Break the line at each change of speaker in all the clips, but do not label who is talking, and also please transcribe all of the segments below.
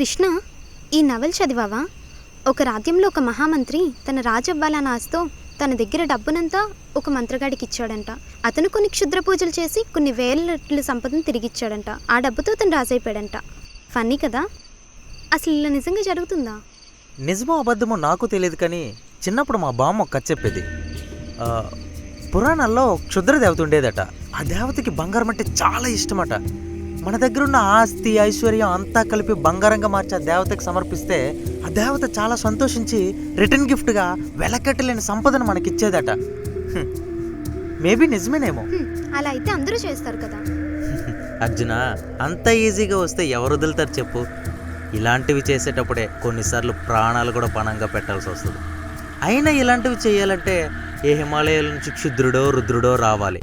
కృష్ణ, ఈ నవల్ చదివావా? ఒక రాజ్యంలో ఒక మహామంత్రి తన రాజవ్వాలన్న ఆశతో తన దగ్గర డబ్బునంతా ఒక మంత్రగాడికి ఇచ్చాడంట. అతను కొన్ని క్షుద్ర పూజలు చేసి కొన్ని వేల రెట్ల సంపదను తిరిగిచ్చాడంట. ఆ డబ్బుతో తను రాజైపోయాడంట. ఫన్నీ కదా? అసలు ఇలా నిజంగా జరుగుతుందా?
నిజమో అబద్ధమో నాకు తెలియదు, కానీ చిన్నప్పుడు మా బామ్మ కథ చెప్పేది. పురాణాల్లో క్షుద్ర దేవత ఉండేదట. ఆ దేవతకి బంగారం అంటే చాలా ఇష్టమట. మన దగ్గర ఉన్న ఆస్తి ఐశ్వర్యం అంతా కలిపి బంగారంగా మార్చి ఆ దేవతకి సమర్పిస్తే ఆ దేవత చాలా సంతోషించి రిటర్న్ గిఫ్ట్గా వెలకట్టలేని సంపదను మనకిచ్చేదట. మేబీ నిజమేనేమో.
అలా అయితే అందరూ చేస్తారు కదా.
అర్జున, అంత ఈజీగా వస్తే ఎవరు వదులుతారు చెప్పు? ఇలాంటివి చేసేటప్పుడే కొన్నిసార్లు ప్రాణాలు కూడా పణంగా పెట్టాల్సి వస్తుంది. అయినా ఇలాంటివి చేయాలంటే ఏ హిమాలయాల నుంచి క్షుద్రుడో రుద్రుడో రావాలి.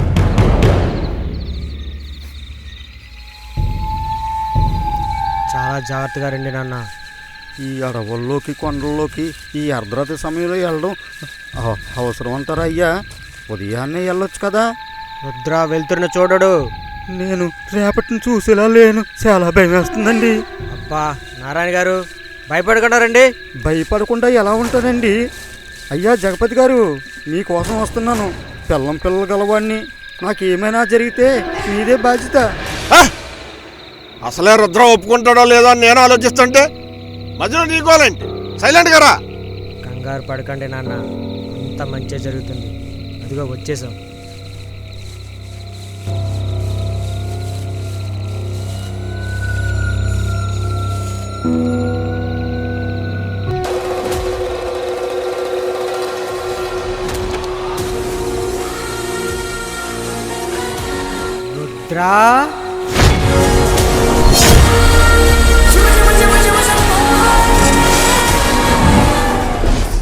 చాలా జాగ్రత్తగా రండి నాన్న.
ఈ అడవుల్లోకి కొండల్లోకి ఈ అర్ధరాత్రి సమయంలో వెళ్ళడం అవసరం అంటారా అయ్యా? ఉదయాన్నే వెళ్ళొచ్చు కదా.
రుద్ర వెళ్తున్న చూడడు.
నేను రేపటిని చూసేలా లేను, చాలా భయం వేస్తుందండి.
అబ్బా నారాయణ గారు, భయపడకుండా రండి.
భయపడకుండా ఎలా ఉంటుందండి? అయ్యా జగపతి గారు, మీకోసం వస్తున్నాను. పిల్లలు గలవాడిని. నాకేమైనా జరిగితే మీదే బాధ్యత.
అసలే రుద్ర ఒప్పుకుంటాడో లేదో అని నేను ఆలోచిస్తుంటే మధ్యలో నీకోలేంటి? సైలెంట్ గారా.
కంగారు పడకండి నాన్న, అంత మంచి జరుగుతుంది. అదిగో వచ్చేసాం. రుద్రా